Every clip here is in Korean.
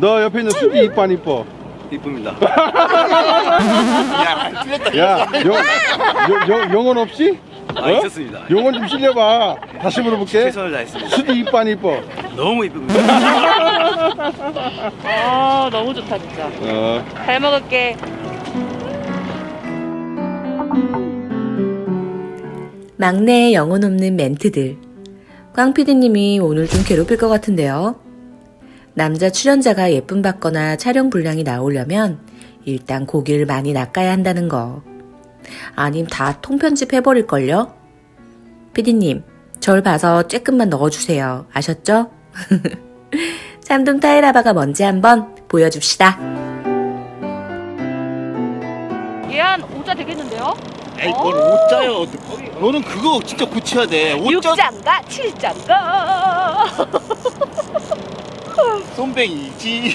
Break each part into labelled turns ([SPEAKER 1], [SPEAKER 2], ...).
[SPEAKER 1] 너 옆에 있는 수지 이뻐 안 이뻐?
[SPEAKER 2] 이쁩니다.
[SPEAKER 3] 야, 틀렸다.
[SPEAKER 1] 야, 영혼 없이?
[SPEAKER 2] 아, 있었습니다.
[SPEAKER 1] 영혼 좀 실려봐. 다시 물어볼게.
[SPEAKER 2] 최선을 다했습니다.
[SPEAKER 1] 수지 이뻐 안 이뻐?
[SPEAKER 2] 너무 이쁩니다.
[SPEAKER 4] 아 너무 좋다 진짜. 잘 먹을게.
[SPEAKER 5] 막내의 영혼 없는 멘트들. 꽝 PD님이 오늘 좀 괴롭힐 것 같은데요. 남자 출연자가 예쁨 받거나 촬영 분량이 나오려면 일단 고기를 많이 낚아야 한다는 거. 아님 다 통편집 해버릴걸요? PD님, 절 봐서 쬐끔만 넣어주세요. 아셨죠? 참돔 타이라바가 뭔지 한번 보여줍시다.
[SPEAKER 4] 얘 한 5자 되겠는데요?
[SPEAKER 3] 에이, 뭘 5자요. 너는 그거 진짜 붙여야 돼. 5자
[SPEAKER 4] 6자인가 7자인가
[SPEAKER 3] 쏨뱅이지.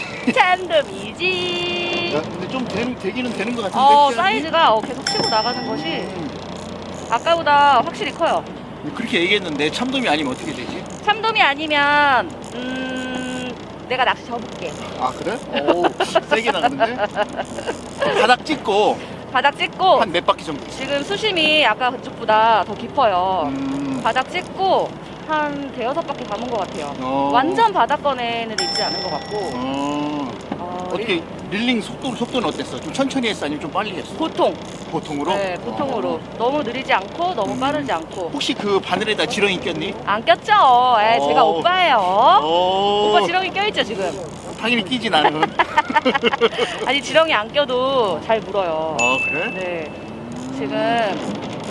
[SPEAKER 4] 참돔이지.
[SPEAKER 3] 야, 근데 좀 되기는 되는 것 같은데.
[SPEAKER 4] 사이즈가 계속 치고 나가는 것이 아까보다 확실히 커요.
[SPEAKER 3] 그렇게 얘기했는데 참돔이 아니면 어떻게 되지?
[SPEAKER 4] 참돔이 아니면 내가 낚시 접을게.
[SPEAKER 3] 아, 그래? 오, 세게 나가는데? 바닥 찍고
[SPEAKER 4] 바닥 찍고
[SPEAKER 3] 한 몇 바퀴 정도.
[SPEAKER 4] 지금 수심이 아까 그쪽보다 더 깊어요. 바닥 찍고 한 대여섯 바퀴 감은 것 같아요. 완전 바닥권에는 있지 않은 것 같고.
[SPEAKER 3] 어떻게 릴링 속도는 어땠어? 좀 천천히 했어? 아니면 좀 빨리 했어? 보통으로?
[SPEAKER 4] 네, 보통으로. 너무 느리지 않고 너무 빠르지 않고.
[SPEAKER 3] 혹시 그 바늘에다 지렁이 꼈니?
[SPEAKER 4] 안 꼈죠? 제가 오빠예요. 오빠 지렁이 껴있죠 지금?
[SPEAKER 3] 당연히 끼지 나는.
[SPEAKER 4] 아니 지렁이 안 껴도 잘 물어요.
[SPEAKER 3] 그래?
[SPEAKER 4] 네. 지금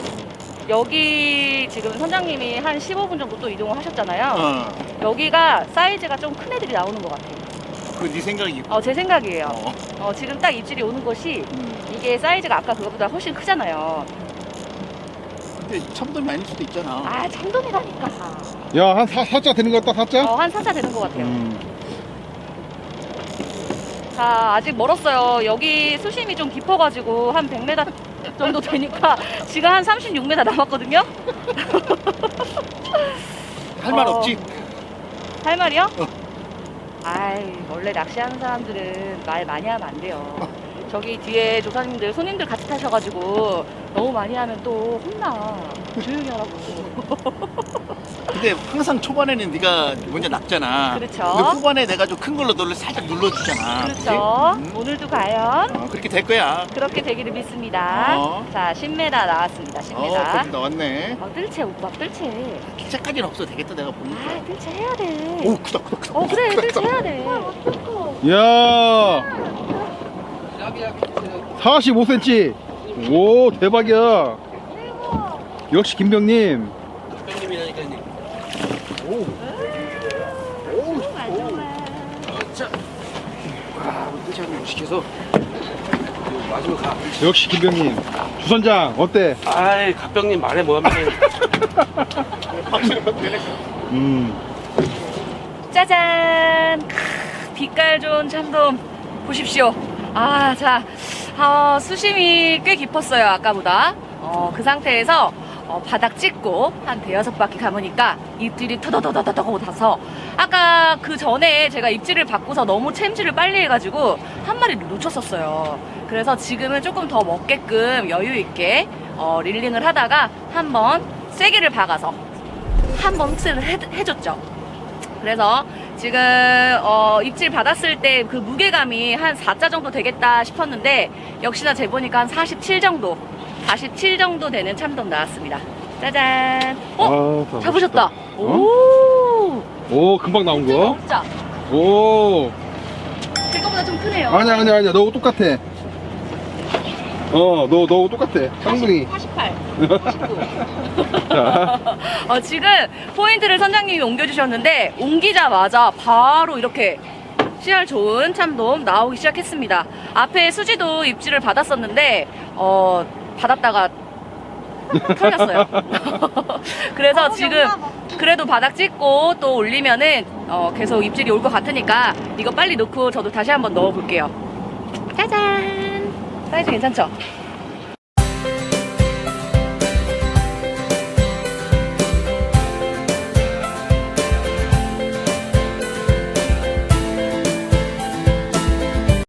[SPEAKER 4] 여기 지금 선장님이 한 15분 정도 또 이동을 하셨잖아요. 여기가 사이즈가 좀 큰 애들이 나오는 것 같아요.
[SPEAKER 3] 그 네 생각이.
[SPEAKER 4] 제 생각이에요. 지금 딱 입질이 오는 것이 이게 사이즈가 아까 그거보다 훨씬 크잖아요.
[SPEAKER 3] 근데 참돔이 아닐 수도 있잖아.
[SPEAKER 4] 참돔이라니까.
[SPEAKER 1] 야, 한 4자 되는 것 같다, 4자?
[SPEAKER 4] 한 4자 되는 것 같아요. 자, 아직 멀었어요. 여기 수심이 좀 깊어가지고 한 100m 정도 되니까 지금 한 36m 남았거든요.
[SPEAKER 3] 할 말 없지?
[SPEAKER 4] 할 말이요? 원래 낚시하는 사람들은 말 많이 하면 안 돼요. 저기 뒤에 조사님들, 손님들 같이 타셔가지고 너무 많이 하면 또 혼나. 조용히 하라고.
[SPEAKER 3] 근데 항상 초반에는 네가 먼저 낚잖아.
[SPEAKER 4] 그렇죠.
[SPEAKER 3] 근데 후반에 내가 좀 큰 걸로 너를 살짝 눌러주잖아.
[SPEAKER 4] 그렇죠. 오늘도 과연
[SPEAKER 3] 그렇게 될 거야.
[SPEAKER 4] 그렇게 되기를 믿습니다. 자, 10m 나왔습니다. 10m.
[SPEAKER 3] 그럼 나왔네.
[SPEAKER 4] 뜰채 오빠, 뜰채.
[SPEAKER 3] 기차까지는 없어도 되겠다, 내가 보니까.
[SPEAKER 4] 뜰채 해야 돼.
[SPEAKER 3] 오, 크다.
[SPEAKER 4] 그래, 뜰채 해야 돼.
[SPEAKER 1] 야, 45cm. 오, 대박이야. 역시 김병님.
[SPEAKER 2] 형님이라니까요. 뜻이 한번 시켜서 마지막 가.
[SPEAKER 1] 역시 김병님. 주선장 어때?
[SPEAKER 2] 아이, 갑병님 말해 뭐하면.
[SPEAKER 4] 짜잔! 빛깔 좋은 참돔 보십시오. 수심이 꽤 깊었어요, 아까보다. 그 상태에서 바닥 찍고 한 대여섯 바퀴 감으니까 입질이 터더더더더더 타서 아까 그 전에 제가 입질을 받고서 너무 챔질을 빨리 해가지고 한 마리를 놓쳤었어요. 그래서 지금은 조금 더 먹게끔 여유 있게 릴링을 하다가 한번 세게를 박아서 한번 흡수를 해줬죠. 그래서 지금 입질 받았을 때 그 무게감이 한 4자 정도 되겠다 싶었는데 역시나 재보니까 한 47 정도 47 정도 되는 참돔 나왔습니다. 짜잔. 잡으셨다.
[SPEAKER 1] 오, 금방 나온 거.
[SPEAKER 4] 진짜
[SPEAKER 1] 오.
[SPEAKER 4] 그거보다 좀 크네요.
[SPEAKER 1] 아니야. 너하고 똑같아. 너하고 똑같아. 쌍둥이.
[SPEAKER 4] 48, 49.
[SPEAKER 1] 자.
[SPEAKER 4] 지금 포인트를 선장님이 옮겨주셨는데 옮기자마자 바로 이렇게 씨알 좋은 참돔 나오기 시작했습니다. 앞에 수지도 입질을 받았었는데 받았다가 털렸어요. 그래서 지금 그래도 바닥 찍고 또 올리면은 계속 입질이 올 것 같으니까 이거 빨리 넣고 저도 다시 한번 넣어볼게요. 짜잔! 사이즈 괜찮죠?